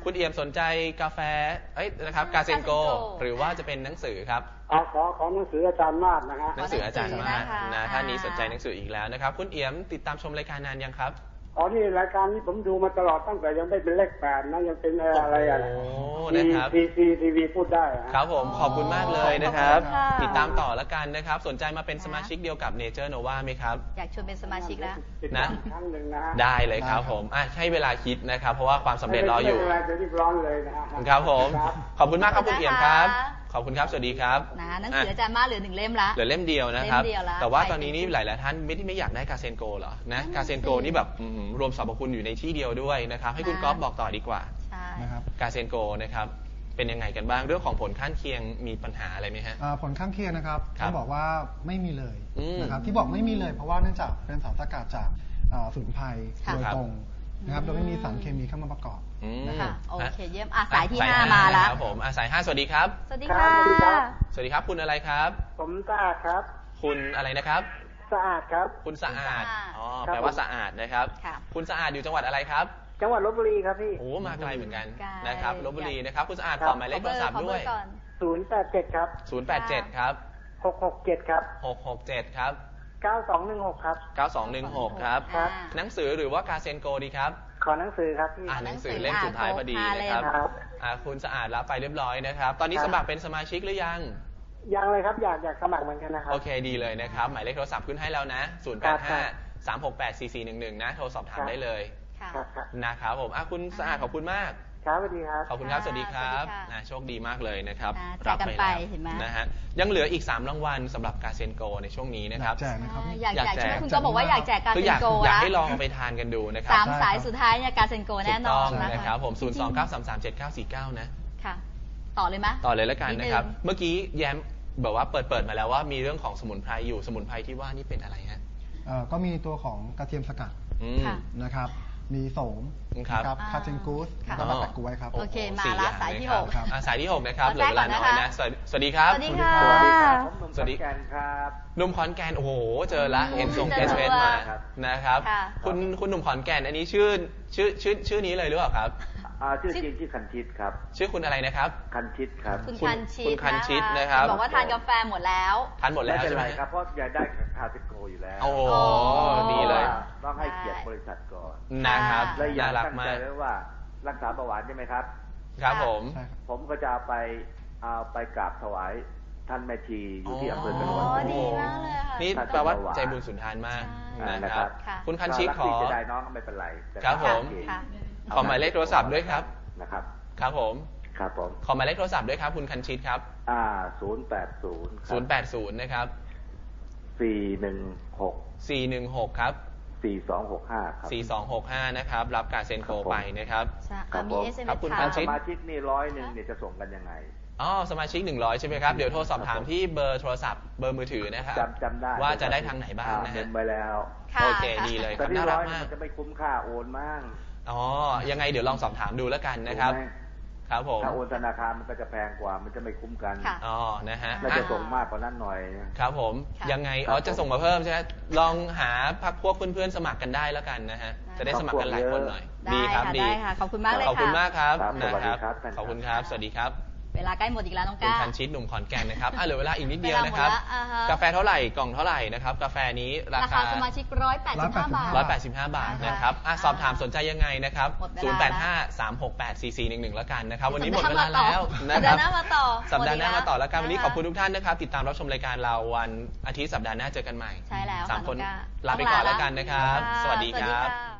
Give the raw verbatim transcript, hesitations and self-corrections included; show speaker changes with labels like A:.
A: คุณเอี่ยมสนใจกาแฟเอ้ยนะครับกาเซนโกหรือว่าจะเป็นหนังสือครับ
B: อ๋อขอขอหนังสืออาจารย์มาศนะฮะ
A: หนังสืออาจารย์มาศนะท่านนี้สนใจหนังสืออีกแล้วนะครับคุณเอี่ยมติดตามชมรายการนานยังครับ
B: อ๋อนี่รายการนี้ผมดูมาตลอดตั้งแต่ยังไม่เป็นเลขแปดนะยังเป็นอะไรอะไร
A: โอ้นะครับ
B: ทีทีทีวีพูดได้
A: ครับผมขอบคุณมากเลยนะครับติดตามต่อแล้วกันนะครับสนใจมาเป็นสมาชิกเดียวกับ Nature Nova ไหมครับ
C: อยากชวนเป็นสมาชิกแล้ว
A: นะได้เลยครับผมอ่ะให้เวลาคิดนะครับเพราะว่าความสำเร็จรออยู่ครับผมขอบคุณมากครับคุณเอี่ยมครับขอบคุณครับสวัสดีครับ
C: นะหนังสืออาจารย์มาเหลือหนึ่งเล่มละ
A: เหลือเล่มเดียวนะครับแต่ว่าตอนนี้นี่หลายๆท่านไม่ที่ไม่อยากได้กาเซนโกเหรอนะกาเซนโกนี่แบบรวมสรรพคุณอยู่ในที่เดียวด้วยนะครับให้คุณก๊อฟบอกต่อดีกว่า
D: นะครับ
A: กาเซนโกนะครับเป็นยังไงกันบ้างเรื่องของผลข้างเคียงมีปัญหาอะไรไหมฮะ
D: ผลข้างเคียงนะครับต้องบอกว่าไม่มีเลยนะครับที่บอกไม่มีเลยเพราะว่าเนื่องจากเป็นสารสกัดจากสมุนไพรโดยตรงนะครับโดยไม่มีสารเคมีเข้ามาประกอบ
C: นะคะโอเคเยี่ยมอาสายที่ห้ามาแล้ว
A: ครับผมอาสายห้าสวัสดีครับ
C: สวัสดีค่ะ
A: สวัสดีครับคุณอะไรครับ
B: ผมสะอาดครับ
A: คุณอะไรนะครับ
B: สะอาดครับ
A: คุณสะอาดอ๋อแปลว่าสะอาดนะครับคุณสะอาดอยู่จังหวัดอะไรครับ
B: จังหวัดลพบุรีครับพี่
A: โอ้มาไกลเหมือนกันนะครับลพบุรีนะครับคุณสะอาดขอหมายเลขโทรศัพท์ด้วย
B: ศูนย์แปดเจ็ดครับ
A: ศูนย์แปดเจ็ดครับ
B: หกหกเจ็ดครับ
A: หกหกเจ็ดครับ
B: เก้าสองหนึ่งหกครับ
A: เก้าสองหนึ่งหกครับหนังสือหรือว่ากาเซนโกดีครับ
B: ขอหนังสือครับพี่
A: อ่านหนังสือเล่มสุดท้ายพอดีนะครับอ่าคุณสะอาดรับไปเรียบร้อยนะครับตอนนี้สมัครเป็นสมาชิกหรือยัง
B: ยังเลยครับอยากอยากสมัครเหมือนกันนะครับ
A: โอเคดีเลยนะครับหมายเลขโทรศัพท์ขึ้นให้แล้วนะศูนย์แปดห้า สามหกแปด สี่สี่หนึ่งหนึ่งนะโทรสอบถามได้เลยนะครับผมอ่ะคุณสะอาดขอบคุณมาก
B: ครับสวัสดีครับ
A: ขอบคุณครับสวัสดีครับนะโชคดีมากเลยนะครับ
C: รับไปแล้ว
A: นะฮะยังเหลืออีกสามรางวัลสำหรับกาเซนโกในช่วงนี้นะครับ
D: แจกนะครับ
C: อยากแจกคุณก็บอกว่าอยากแจกกาเซนโก
A: อยากให้ลองไปทานกันดูนะครับ
C: สามสายสุดท้ายเนี่ยกาเซนโกแน่นอน
A: นะครับผมศูนย์ สอง เก้า สาม สาม เจ็ด เก้า สี่ เก้านะ
C: ค่ะต่อเลยไหม
A: ต่อเลยแล้วกันนะครับเมื่อกี้แย้มบอกว่าเปิดเปิดมาแล้วว่ามีเรื่องของสมุนไพรอยู่สมุนไพรที่ว่านี่เป็นอะไรฮะ
D: ก็มีตัวของกระเทียมสกัดนะครับมีโสมนะครับคาเจนกูสแล้วก็แปะกล้วยครับ
C: โอเคมาละสายที่หก
A: สายที่หกนะครับเหลือเวลาน้อยนะสวัสดีครับ
C: สวัสดีค่ะ
B: สวัสดีครับ
A: หนุ่มขอนแก่นโอ้โหเจอละเห็นส่งเอสเอสมานะครับคุณคุณหนุ่มขอนแก่นอันนี้ชื่อชื่อชื่อชื่อนี้เลยหรือเปล่าครับ
B: ชื่อจริงชื่อคันชิตครับ
A: ชื่อคุณอะไรนะครับ
B: คันชิตครับ
C: คุณคันชิต
A: คุณคันชิตนะครับ
C: บอกว่าทานกาแฟหมดแล้ว
A: ทานหมดแล้วใช่ไหม
B: ครับเพราะอยากได้คาเซนโกอยู่แล้ว
A: โอ้ดีเลย
B: ต้องให้เกียรติบริษัทก่อน
A: นะครับ
B: และอยากตั้งใจไว้ว่ารักษาเบาหวานใช่ไหมครับ
A: ครับผม
B: ผมก็จะเอาไปเอาไปกราบถวายท่านแม่ชีอยู่ที่อำเภอกระนวน
C: ดีมากเลยค่ะ
A: นี่แปลว่าใจบุญสุนทานมากนะครับคุณคันชิตขอ
B: จะได้น้องก็ไม่เป็นไร
A: ครับผมขอหมายเลขโทรศัพท์ด้วยครับ
B: นะครับ
A: ครับผม
B: ครับผม
A: ขอหมายเลขโทรศัพท์ด้วยครับคุณคันชิตครับ
B: อ่าศูนย์แปดศูนย์
A: ศูนย์แปดศูนย์นะครับ
B: สี่หนึ่งหก
A: สี่หนึ่งหกครับ
B: สี่สองหกห้าครับ
A: สี่สองหกห้านะครับรับการเซ็นโกไปนะครับ
C: ครับผม
A: ครับคุณคันชิต
B: สมาชิกนี่ร้อยหนึ่งเนี่ยจะส่งกันยังไง
A: อ๋อสมาชิกหนึ่งร้อยใช่ไหมครับเดี๋ยวโทรสอบถามที่เบอร์โทรศัพท์เบอร์มือถือนะครับ
B: จำจำได้
A: ว่าจะได้ทางไหนบ้างนะฮะ
B: ไปแล้ว
A: โอเคดีเลยครับน่ารักมาก
B: จะไม่คุ้มค่าโอนมาก
A: อ๋อยังไงเดี๋ยวลองสอบถามดูแล้วกันนะครับครับผม
B: ถ้าโอนธนาคารมันก็จะแพงกว่ามันจะไม่คุ้มกัน
A: อ๋อนะฮะ
B: น่าจะส่งมากกว่านั้นหน่อย
A: ครับผมยังไงอ๋อจะส่งมาเพิ่มใช่ไหมลองหาพักพวกเพื่อนๆสมัครกันได้แล้วกันนะฮะจะได้สมัครกันหลายคนหน่อย
C: ดีครับดีขอบคุณมากเลยค่ะ
A: ขอบคุณมากครับนะครับขอบคุณครับสวัสดีครับ
C: เวลาใกล้หมดอีกแล้วน้องก้า
A: คุณคันชิตหนุ่มขอนแก่นนะครับอ่ะเหลือเวลาอีกนิดเดียวนะครับกาแฟเท่าไหร่กล่องเท่าไหร่นะครับกาแฟนี้ราคา
C: สมาชิกร้อยแปดสิบห้าบาท
A: ร้อยแปดสิบห้าบาทนะครับอ่ะสอบถามสนใจยังไงนะครับศูนย์แปดห้า สามหกแปด สี่สี่หนึ่งหนึ่งแล้วกันนะครับวันนี้หมดเวลาแล้ว
C: นะครับสัปดาห์หน้ามาต่อ
A: สัปดาห์หน้ามาต่อแล้วกันวันนี้ขอบคุณทุกท่านนะครับติดตามรับชมรายการเราวันอาทิตย์สัปดาห์หน้าเจอกันใหม่
C: ใช่แล้ว
A: สามคนลาไปก่อนแล้วกันนะครับสวัสดีครับ